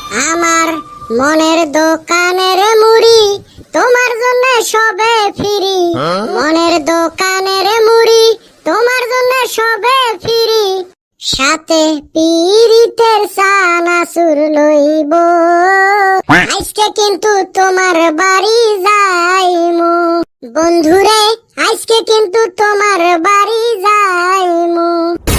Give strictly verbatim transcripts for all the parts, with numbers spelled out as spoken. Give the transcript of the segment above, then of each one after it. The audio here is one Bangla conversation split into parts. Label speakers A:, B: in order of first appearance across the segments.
A: আমার মনের দোকানের মুড়ি তোমার জন্য সবে ফিরি, মনের দোকানের মুড়ি তোমার জন্য সবে ফিরি, সাথে পীড়িতের সানাসুর লইব, আজকে কিন্তু তোমার বাড়ি যাইমু বন্ধুরে, আজকে কিন্তু তোমার বাড়ি যাইমু।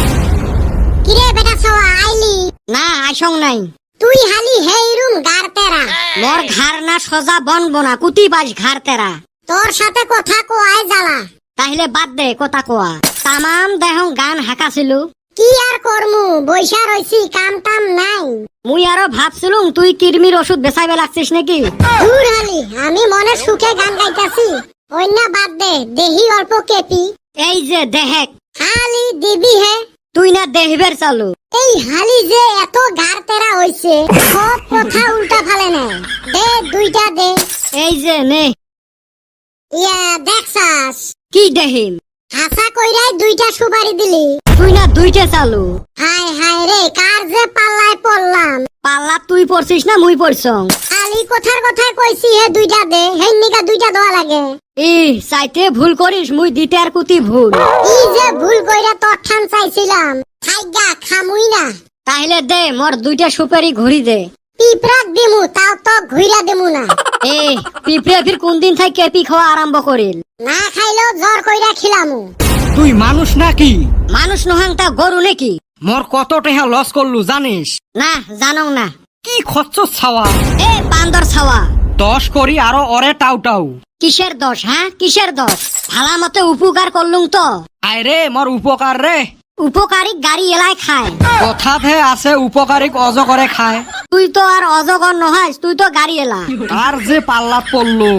A: কিরে বেটা সওয়া আইলি
B: না আসং নাই।
A: তুই হালি হেই রুম গার তেরা,
B: মোর ঘর না সোজা বনবো না, কুতি বাস ঘর তেরা।
A: তোর সাথে কথা কোয়াই জ্বালা।
B: তাহলে বাদ দে কথা কোয়া। তামাম দেহং গান হাঁকাছিল।
A: কি আর করমু, বৈশা রইছি, কাম টাম নাই।
B: মুই আরো ভাবছিলুম তুই কিরমির ওষুধ বেচাইবে লাগছিস নাকি।
A: দূর হালি, আমি মনে সুখে গান গাইতাছি। অন্য বাদ দে, দেহি অল্প কেপি।
B: এই যে দেহেক
A: হালি দিবি হে,
B: তুই না দেহবের চালু।
A: এই হালি যে এত গার তেরা হইছে, সব কথা উল্টা ফালে না। দে দুইটা দে।
B: এই যে নে।
A: ইয়া দেখছাস,
B: কি দেহিম?
A: হাসা কইরাই দুইটা সুপারি দিলি।
B: তুই না দুইটা চালু।
A: হায় হায় রে, কার যে পাল্লায় পড়লাম।
B: পাল্লা তুই পড়ছিস না মুই পড়ছং?
A: খালি কথার কথা কইছি হে দুইটা দে, হেন নিকা দুইটা দেওয়া লাগে।
B: ই চাইতে ভুল করিস, মুই দিতে আর কুতি ভুল।
A: ই যে ভুল কইরা তোর ঠান চাইছিলাম, খাইগা খামুই না।
B: তাহলে দে মোর দুইটা সুপারি ঘুরি দে।
A: পিঁপড়াক দিমু, তাও তো ঘুইরা দিমু না।
B: এ পিঁপড়ে ফির কোন দিন থেকে কেপি খাওয়া আরম্ভ করিল?
A: না খাইলেও জ্বর কইরা খিলামু।
C: তুই মানুষ নাকি?
B: মানুষ নহাং তা গরু নাকি?
C: মোর কত টাকা লস করলু জানিস?
B: না জানো না।
C: কি খরচ ছাওয়া?
B: এ বান্দর ছাওয়া,
C: দশ করি আরো অরে টাউ টাউ।
B: কিসের দোষ? হ্যাঁ কিসের দোষ? ভালা মতে উপকার করলুম তো।
C: আয় রে মোর উপকার রে।
B: উপকারী গাড়ি এলাই খায়।
C: কথাতে আছে উপকারিক অজগরে খায়।
B: তুই তো আর অজগর নহাইস, তুই তো গাড়ি এলা।
C: আর যে পাল্লাত পড়লো।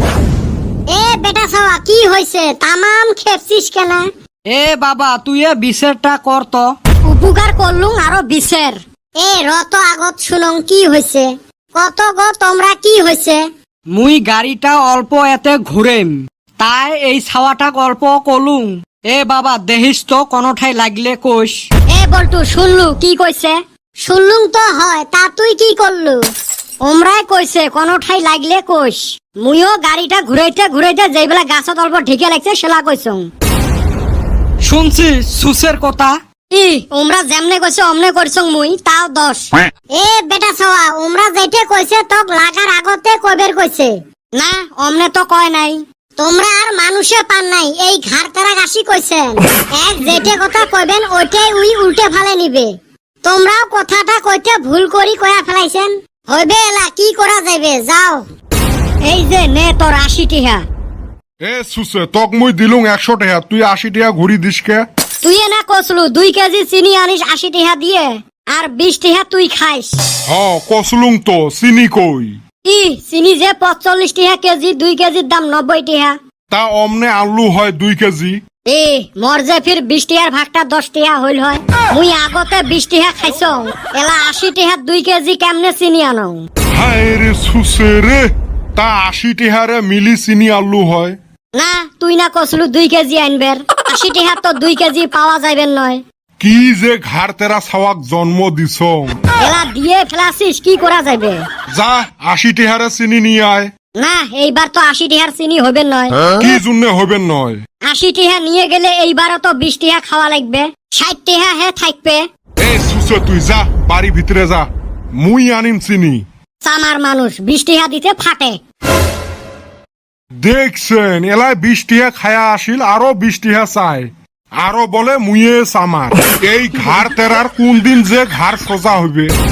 B: এ বেটা ছাওয়া কি হইছে? তামাম খেপছিস কেন?
C: এ বাবা তুই এ বিচারটা কর তো।
B: উপকার করলুম আরো বিশের। এ রত আগত শুনং কি হইছে? কত গো তোমরা কি হইছে?
C: মুই গাড়িটা অল্প এতে ঘুরেম, তাই এই ছাওয়াটাক অল্প কলুম। এ বাবা দেখিস তো কোনো ঠাই লাগলে কোষ।
B: এ বলটু শুনলু কি কইছে? শুনলুম তো হয়, তা তুই কি করলু? ওমরাই কইছে কোনো ঠাই লাগলে কোষ। মুইও গাড়িটা ঘুরাইতে ঘুরাইতে যেইবেলা গাছত অল্প ঢেকে লাগছে সেলা কইছং।
C: শুনছি সুসের কথা।
B: ই ওমরা যেমনে কইছে অমনে করছং মুই, তাও দশ। এ বেটা ছাওয়া, ওমরা যেটা কইছে তোক লাগার আগতে কইবের কইছে না, অমনে তো কয় নাই। তোমরা আর মানুষে পান নাই, এই ঘাড় তারা গাছি কইছেন। এক যেটা কথা কইবেন ওইটাই উই উল্টে ফালে নিবে। তোমরাও কথাটা কইতে ভুল করি কয়া ফেলাইছেন। হইবে এলা কি করা যাবে, যাও। এই যে নে তোর আশি টিহা।
D: এ সুসে তক মুই দিলুং একশো টাকা, তুই আশি টাকা ঘুরি দিস কে?
B: তুই না কসলু দুই কেজি চিনি আনিস আশি টিহা দিয়ে, আর বিশ টিহা তুই খাইস।
D: হ কসলুং তো, চিনি কই?
B: ই চিনি যে পঁচল্লিশ টিহা কেজি, দুই কেজির দাম নব্বই টিহা।
D: তা অমনে আলু হয় দুই কেজি।
B: এ মর যে ফির বিশ টিহার ভাগটা দশ টিহা হইল হয়। মুই আগতে বিশ টিহা খাইছ, এলা আশি টিহার দুই কেজি কেমনে চিনি আনো?
D: হায় রে সুসে রে, তা আশি টাকারে মিলি চিনি আলু হয়?
B: না তুই না কসলু দুই কেজি আনবের, আশি টিহা তো দুই কেজি পাওয়া যাইবেন নয়।
D: কি যে ঘাড় তেরা ছাওয়াক জন্ম দিছ।
B: এলা দিয়ে ফেলাছিস, কি করা যাবে?
D: যা আশি টাকারে চিনি নিয়ে আয়।
B: না এইবার তো আশি টিহার চিনি হইবেন নয়।
D: কি জন্য হইবেন নয়?
B: আশি টিহা নিয়ে গেলে এইবারও তো বিশ টিহা খাওয়া লাগবে, ষাট টিহা হে থাকবে।
D: এ সুসে তুই যা বাড়ি ভিতরে যা, মুই আনিম চিনি।
B: চামার মানুষ বিশ টিহা দিতে ফাটে।
D: দেখছেন এলাই বিশ টিহা খায়া আসিল, আরো বিশ টিহা চাই, আরো বলে মুয়ে সামার। এই ঘাড় তেরার কোন দিন যে ঘাড় সোজা হইবে।